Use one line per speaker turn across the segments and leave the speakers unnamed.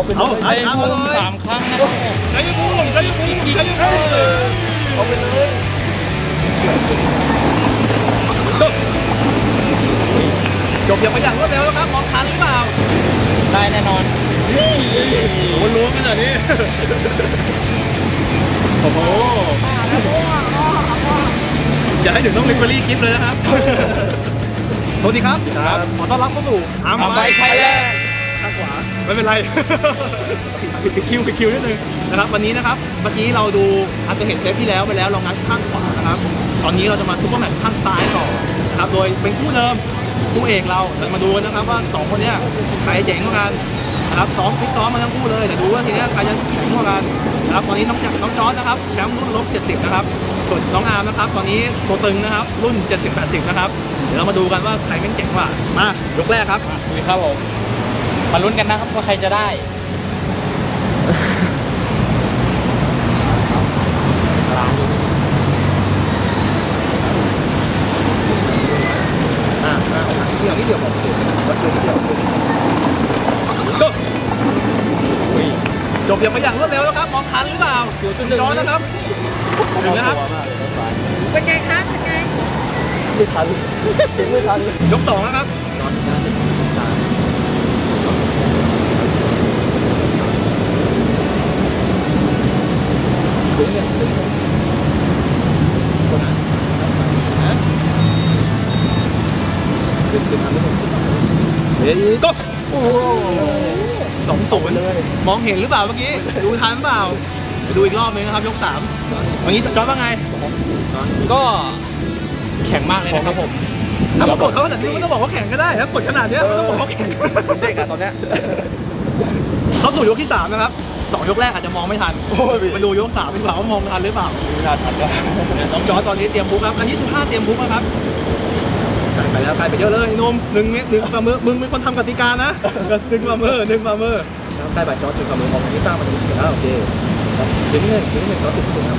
เอาไปเลย
เอา3 ครั้งนะครับใจเย็นบูมใจเย็นบูมใจเย็นบูม
เอาไปเลย
จบอย่างไปอย่างรวดเร็วแล้วครับมองทันหรือเปล่าได้แน่นอนโอ้ล้วงขนาดนี้โอ้โหอย่าให้ถึงต้องลิเวอรี่กิฟต์เลยนะครับสวัสดีครับขอต้อนรับเข้าสู่อาร์มไบค์ไทยแลนด์ข้างขวาไม่เป็นไรปิดคิวนิดนึงนะครับวันนี้นะครับเมื่อกี้เราดูอาจจะเห็นเทปที่แล้วไปแล้วเรางัดข้างขวานะครับตอนนี้เราจะมาซุปเปอร์แมตช์ข้างซ้ายต่อนะครับโดยเป็นคู่เดิมคู่เอกเรามาดูนะครับว่า2คนนี้ใครเจ๋งกว่ากันนะครับฟิตซ้อมมาทั้งคู่เลยเดี๋ยวดูว่าทีนี้ใครจะแข็งกว่ากันนะครับตอนนี้น้องจอร์จนะครับแชมป์รุ่น-70นะครับส่วนน้องอาร์มนะครับตอนนี้ตัวตึงนะครับรุ่น70-80นะครับเดี๋ยวเรามาดูกันว่าใครเก่งกว่ามายกแรกครับคุยครับผมมาลุ้นกันนะครับว่าใครจะได้ที่เดียวของวัดเดียวจบอย่างไปอย่างรวดเร็วแล้วครับมองทันหรือเปล่าย้อนนะครับถึงนะครับ
เป็นไงคะเป็นไง
ไม่ทันไม่ทัน
ยก2นะครับเฮ้ยก็โอ้โห2-0เลยมองเห็นหรือเปล่าเมื่อกี้ดูทันเปล่าดูอีกรอบนึงนะครับยก3วันนี้จอร์จว่าไงก็แข็งมากเลยนะครับผมถ้ากดเขาขนาดนี้ไม่ต้องบอกว่าแข็งก็ได้ถ้ากดขนาดนี้ไม่ต้องบอกว่าแข็งเด็กอะตอนเนี้ยเข้าสู่ยกที่3นะครับ2ยกแรกอาจจะมองไม่ทันมาดูยก3ดีกว่าว่ามองทันหรือเปล่าไม่ทันก็น้องจอร์จตอนนี้เตรียมบุ๊กครับอันนี้คือท่าเตรียมบุ๊กนะครับไปแล้วไปเยอะเลยนุ่ม1 ฝ่ามือมึงเป็นคนทำกติกานะ1 ฝ่ามือใกล้บ่ายจอร์จ1 ฝ่ามือมองอันนี้ตั้งมาตรงนี้แล้วโอเคถึงหนึ่งจอร์จถึงครับ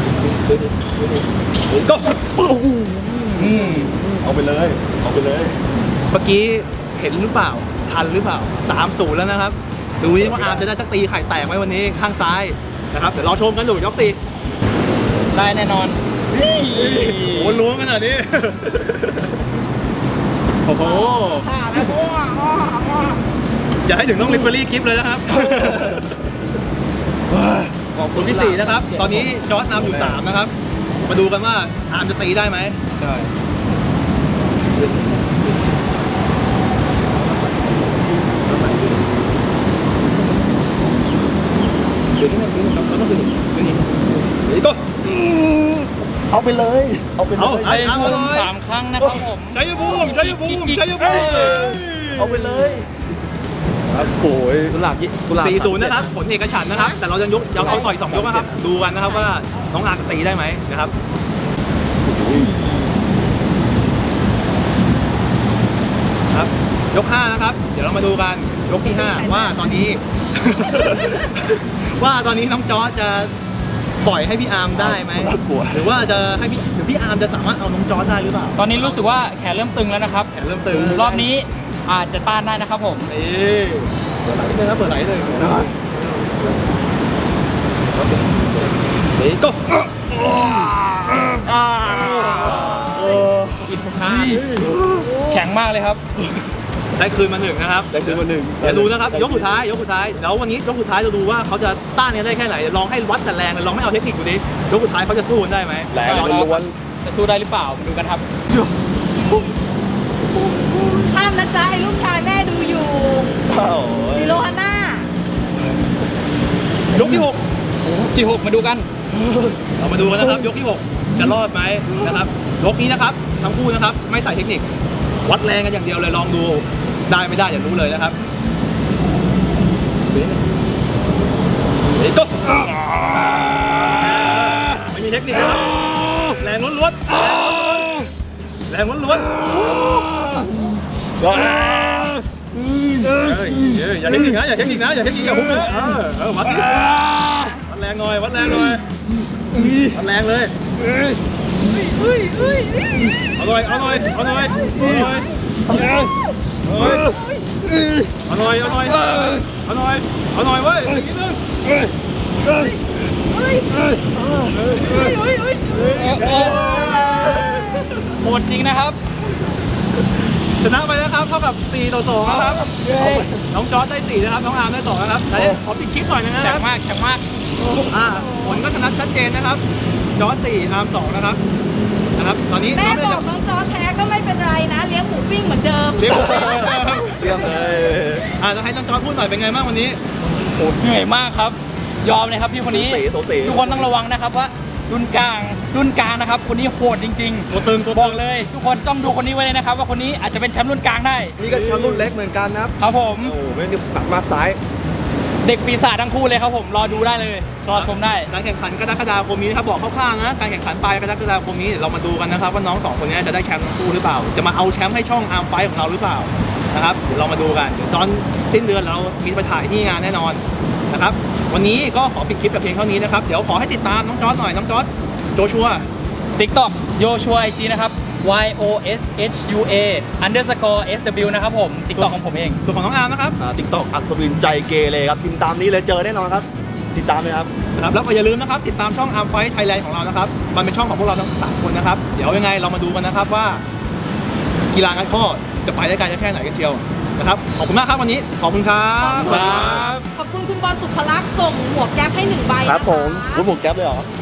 ก็
เอาไปเลย
เมื่อกี้เห็นหรือเปล่าทันหรือเปล่า3-0แล้วนะครับดูนี่ว่าอาร์มจะได้สักตีไข่แตกไหมวันนี้ข้างซ้ายนะครับเดี๋ยวรอชมกันดูยกตีได้แน่นอนโอ้ล้วงขนาดนี้โอ้โหอย่าให้ถึงต้องลิเวอรี่กิฟต์เลยนะครับขอบคุณที่4นะครับตอนนี้จอร์จนำอยู่3นะครับมาดูกันว่าอาร์มจะตีได้ไหมใช่ก็
เอาไปเลย
เอา3 ครั้งนะครับผมใจเย็นบูม
เอาไปเลยโอ้ย
4-0นะครับผลเอกฉันท์นะครับแต่เรายังเอาต่อย2 ยกนะครับดูกันนะครับว่าน้องอาร์มจะตีได้ไหมนะครับครับยก5นะครับเดี๋ยวเรามาดูกันยกที่5ว่าตอนนี้ น้องจอร์จจะปล่อยให้พี่อาร์มได้ไหมหรือว่าจะให้พี่อาร์มจะสามารถเอาน้องจอร์จได้หรือเปล่าตอนนี้รู้สึกว่าแขนเริ่มตึงแล้วนะครับแขนเริ่มตึงรอบนี้อาจจะต้านได้นะครับผมเปิดไหลเลยครับเปิดไหลเลยก็แข็งมากเลยครับได้คืนมา1นะครับ
ได้คืนมา1
เดี๋ยวดูนะครับยกสุดท้ายแล้ววันนี้ยกสุดท้ายเราดูว่าเขาจะต้านกันได้แค่ไหนลองให้วัดแต่แรงลองไม่เอาเทคนิคดูดิยกสุดท้ายเขาจะสู้กันได้ไหม
แรงล้วน
จะสู้ได้หรือเปล่าดูกันครับ
ห้ามนะจ๊ะไอ้ลูกชายแม่ดูอยู่ซิโรฮาน่าย
กที่6มาดูกันเรามาดูกันนะครับยกที่6จะรอดไหมนะครับยกนี้นะครับทั้งคู่นะครับไม่ใส่เทคนิควัดแรงกันอย่างเดียวเลยลองดูได้ไม่ได้อย่ารู้เลยนะครับก็ไม่มีเทคนิคนะครับแรงล้วนอย่าเทคนิคนะอย่าพุ่งนะวัดแรงหน่อยวัดแรงเลยเอาหน่อยเอาหน่อยเอาหน่อยเอาหน่อยเอาหน่อยเว้ยอีกนิดนึง
เฮ้ยเฮ้ยเฮ้ยเฮ้ย
โหดจริงนะครับ
ชนะไปแล้วครับเท่ากับ4-2นะครับน้องจอร์จได้4นะครับน้องอาร์มได้2นะครับไหนขอปิดคลิปหน่อยนึงนะค
แข็
รั
ง
บ
มากแข็งมาก
ผลก็ชนะชัดเจนนะครับจอร์จ4อาร์ม2นะครับตอนนี้
แม่
น้อง
บอกน้องจอแท้ก็ไม่เป็นไรนะเลี้ยงหมูปิ้งเหมือนเดิม
เรียกผมเหมือนเดิม
เรียบเลย
จะให้น้องจอร์จพูดหน่อยเป็นไงบ้างวันนี้
เหนื่อยมากครับ ยอมเลยครับพี่คนนี้
โสสี
ทุกคนต้องระวังนะครับว่ารุ่นกลางนะครับคนนี้โหดจริงๆ
ตัวตึงตัว
บ
ตึ
อก
ง
เลย ทุกคนต้องดูคนนี้ไว้เลยนะครับ ว่าคนนี้อาจจะเป็นแชมป์รุ่นกลางได้
นี่ก็แชมป์รุ่นเล็กเหมือนกันนะครับ
ครับผม
โอ้โหไม่ได้หนักมากซ้าย
เด็กปีศาจทั้งคู่เลยครับผมรอดูได้เลยรอชมได้
การแข่งขันกรกฎาคมนี้นะครับบอกคร่าวๆนะการแข่งขันปลายกรกฎาคมนี้เรามาดูกันนะครับว่าน้อง2คนนี้จะได้แชมป์ทั้งคู่หรือเปล่าจะมาเอาแชมป์ให้ช่องอาร์มไฟของเราหรือเปล่านะครับเดี๋ยวเรามาดูกันเดี๋ยวตอนสิ้นเดือนเรามีไปถ่ายที่งานแน่นอนนะครับวันนี้ก็ขอปิดคลิปแต่เพียงเท่านี้นะครับเดี๋ยวขอให้ติดตามน้องจอร์จหน่อยน้องจอร์จโจชัว
TikTok โยชัว IG นะครับ YOSHUA_SW นะครับผม TikTok ของผมเอง
ส่วนของน้องอาร์มนะครับ
ติ๊กต็อกอัศวินใจเกเรครับพิมพ์ตามนี้เลยเจอแน่นอนครับ ติดตามเลยครับ
นะครับแล้วก็อย่าลืมนะครับติดตามช่อง Arm Fight Thailand ของเรานะครับมันเป็นช่องของพวกเราทั้ง3คนนะครับเดี๋ยวยังไงเรามาดูกันนะครับว่ากีฬางัดข้อจะไปได้ไกลแค่ไหนกันเชียวนะครับขอบคุณมากครับวันนี้ขอบคุณครับ
ครับ
ขอบคุณคุณบอลสุภลักษณ์ส่งหมวกแก๊ปให้1 ใบ
ครับผม
นะคะ
รู้หมวกแก๊ปเลยเหรอ